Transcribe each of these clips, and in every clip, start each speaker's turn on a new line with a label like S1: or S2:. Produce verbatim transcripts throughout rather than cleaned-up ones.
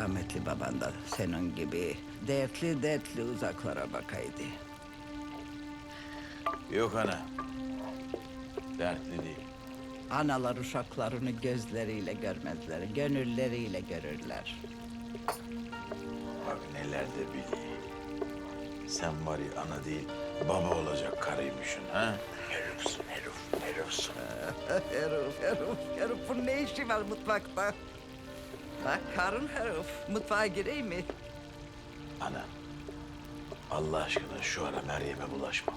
S1: Rahmetli baban da senin gibi dertli dertli uzaklara bakaydı.
S2: Yok ana. Dertli değil.
S1: Analar uşaklarını gözleriyle görmezler, gönülleriyle görürler.
S2: Bak neler de biliyor. Sen var ya ana değil, baba olacak karıymışsın ha? Herifsin herif, herifsin.
S1: herif, herif, herif. Bunun ne işi var mutfakta? Bak karın herif, mutfağa gireyim mi?
S2: Ana, Allah aşkına şu ara Meryem'e bulaşma.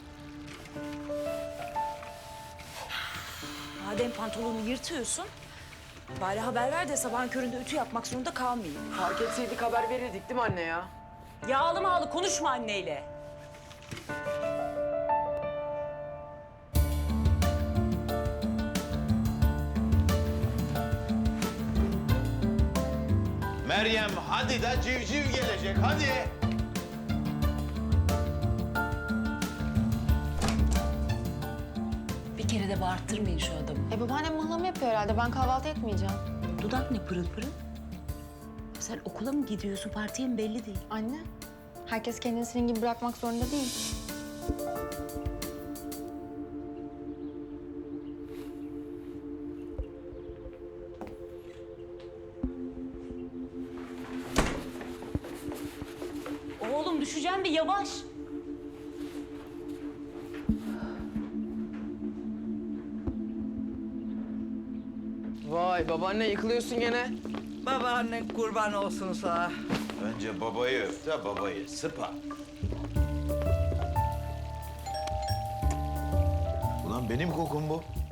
S3: Madem pantolonu yırtıyorsun, bari haber ver de sabahın köründe ütü yapmak zorunda kalmayayım.
S4: Fark etseydik haber verirdik değil mi anne ya?
S3: Yağlı mağlı konuşma anneyle.
S2: Meryem hadi da civciv gelecek hadi.
S3: Bir kere de bağırttırmayın şu adamı.
S5: E babaannem mıhlama yapıyor herhalde. Ben kahvaltı etmeyeceğim.
S3: Dudak ne pırıl pırıl? Sen okula mı gidiyorsun, partiye mi belli değil.
S5: Anne, herkes kendini senin gibi bırakmak zorunda değil.
S3: Oğlum düşeceğim bir yavaş.
S4: Vay babaanne yıkılıyorsun gene.
S1: Babaannen kurban olsun sana.
S2: Önce babayı öp de babayı sıpa. Ulan benim kokum bu.